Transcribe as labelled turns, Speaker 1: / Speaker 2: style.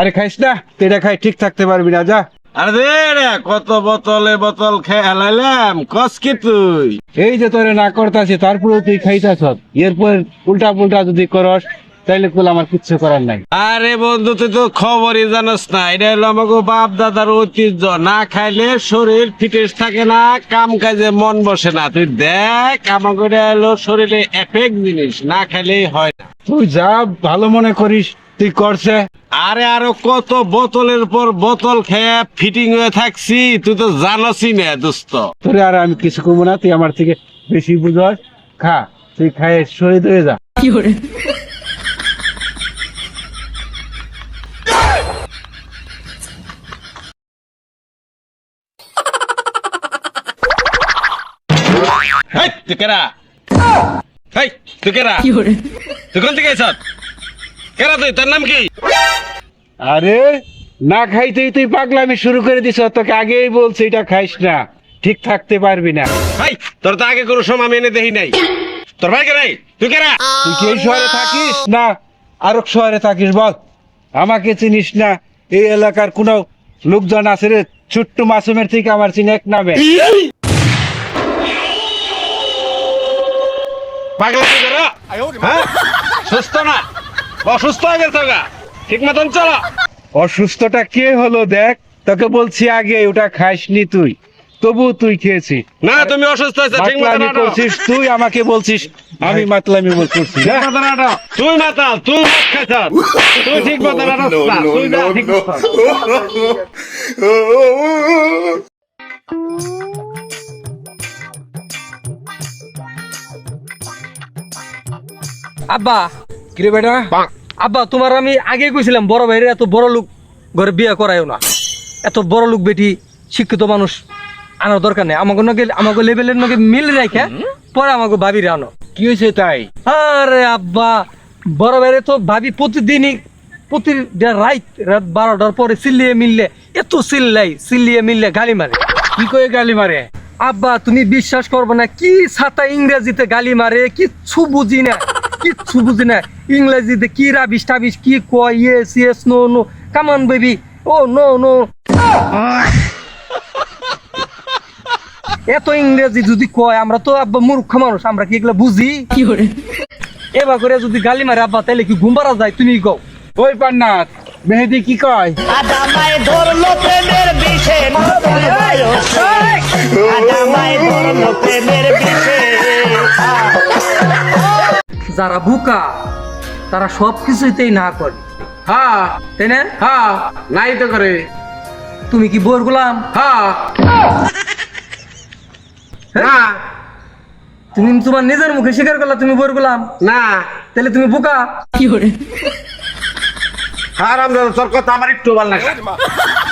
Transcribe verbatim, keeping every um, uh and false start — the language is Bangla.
Speaker 1: আরে খাইস না, এটা খাই ঠিক থাকতে পারবি না, যা।
Speaker 2: আরে কত বোতলে বোতল খেয়ে হেলাইলাম, কস কি তুই?
Speaker 1: এই যে তোরে না করতাছি, তারপরেও তুই খাইতাছ। এরপর উল্টা পুল্টা যদি করস তাইলে কুল আমার কিচ্ছু করার নাই।
Speaker 2: আরে বন্ধু, তুই তো খবরই জানোস না, এটা হলো আমাকে বাপ দাদার ঐতিহ্য। না খাইলে শরীর ফিটেস থাকে না, কাম কাজে মন বসে না। তুই দেখ, আমাকে এটা হলো শরীরে এফেক্ট জিনিস, না খাইলেই হয় না।
Speaker 1: তুই যা ভালো মনে করিস তুই করছে।
Speaker 2: আরে আরো কত বোতলের পর বোতল খেয়ে ফিটিং হয়ে থাকছি, তুই তো জানোসই না দোস্ত।
Speaker 1: তোরে আর আমি কিছু কমবো না, তুই আমার থেকে বেশি বুঝস। খা, তুই খায় শহীদ হয়ে যা।
Speaker 2: হেই, তুই কেরা? হেই, তুই কেরা? তুই কোন থেকে আইছত? কেরা তুই? তোর নাম কি?
Speaker 1: আরে না খাইতেই তুই পাগলামি শুরু করে দিছ। তোকে আগেই বলছি এটা খাইস না, ঠিক থাকতে পারবি না।
Speaker 2: ভাই, তোর তো আগে কোনো সময় আমি এনে দেখি নাই। তোর ভাই কে নাই? তুই কেরা?
Speaker 1: তুই কি এই শহরে থাকিস না আরক শহরে থাকিস বল? আমাকে চিনিস না? এই এলাকার কোনো লোকজন আছে রে ছোট্ট মাসুমের থেকে আমার চিনি এক নামে?
Speaker 2: পাগলা তুই কেরা? হ্যাঁ? সুস্থ না? অসুস্থ হয়ে গেছে গা? ঠিক মতন চলো।
Speaker 1: অসুস্থটা কে হলো দেখ, তোকে বলছি আগে ওটা খাইসনি তুই, তবু তুই খেয়েছিস।
Speaker 2: না, তুমি অসুস্থ হয়েছে, ঠিক মতন
Speaker 1: মাতলামি
Speaker 2: হাঁটো।
Speaker 1: করছিস তুই, আমাকে বলছিস আমি মাতলামি বলছিস।
Speaker 2: ঠিক মতন হাঁটো। তুই মাতাল, তুই মদ খাইছ। তুই ঠিক মতন হাঁটো না, তুই যা ঠিক মতন।
Speaker 3: আব্বা,
Speaker 1: কিরে বেটা?
Speaker 3: আব্বা তোমার আমি আগে কইছিলাম বড় ভাইরে এত বড় লোক ঘরে বিয়ে করায়ও না। এত বড় লোক বেটি শিক্ষিত মানুষ আনার দরকার নেই। আমাকে নাকি আমাকে লেভেলের নাকি মিল রাখা পরে আমাকে ভাবিরে আনো।
Speaker 1: কি হয়েছে তাই?
Speaker 3: আরে আব্বা, বড় ভাইরে তো ভাবি প্রতিদিনই প্রতি রাত রাত বারোটার পরে চিল্লিয়ে মিললে এত চিল্লাই চিল্লিয়ে মিললে গালি মারে।
Speaker 1: কি করে গালি মারে?
Speaker 3: আব্বা তুমি বিশ্বাস করবে না, কি ছাতা ইংরেজিতে গালি মারে, কিচ্ছু বুঝি না, কিচ্ছু বুঝি না। ইংরেজিতে কি রাবিশ টাবিশ কি কয়, yes yes no no come on baby oh no. No ইংরেজি যদি কয়, আমরা তো আব্বা মূর্খ মানুষ, আমরা কি এগুলো বুঝি? কি করে এবার করে যদি গালি মারে আব্বা তাহলে কি ঘুম পাড়া যায়? তুমি কও।
Speaker 1: ওই পান্নাত মেহেদি কি কয়?
Speaker 4: আদামায় ধরলো প্রেমের বিষে আদামায় ধরলো প্রেমের বিষে।
Speaker 3: যারা বুকা তারা সব কিছুতেই না করে,
Speaker 2: হ্যাঁ,
Speaker 3: তাই না?
Speaker 2: হ্যাঁ, নাই তো করে।
Speaker 3: তুমি কি বোর গোলাম?
Speaker 2: হ্যাঁ, না,
Speaker 3: তুমি তোমার নিজের মুখে স্বীকার করলা তুমি বোর গোলাম,
Speaker 2: না।
Speaker 3: তাহলে তুমি বুকা। কি করে
Speaker 2: হারাম, তোর কথা আমার একটু ভালো লাগে।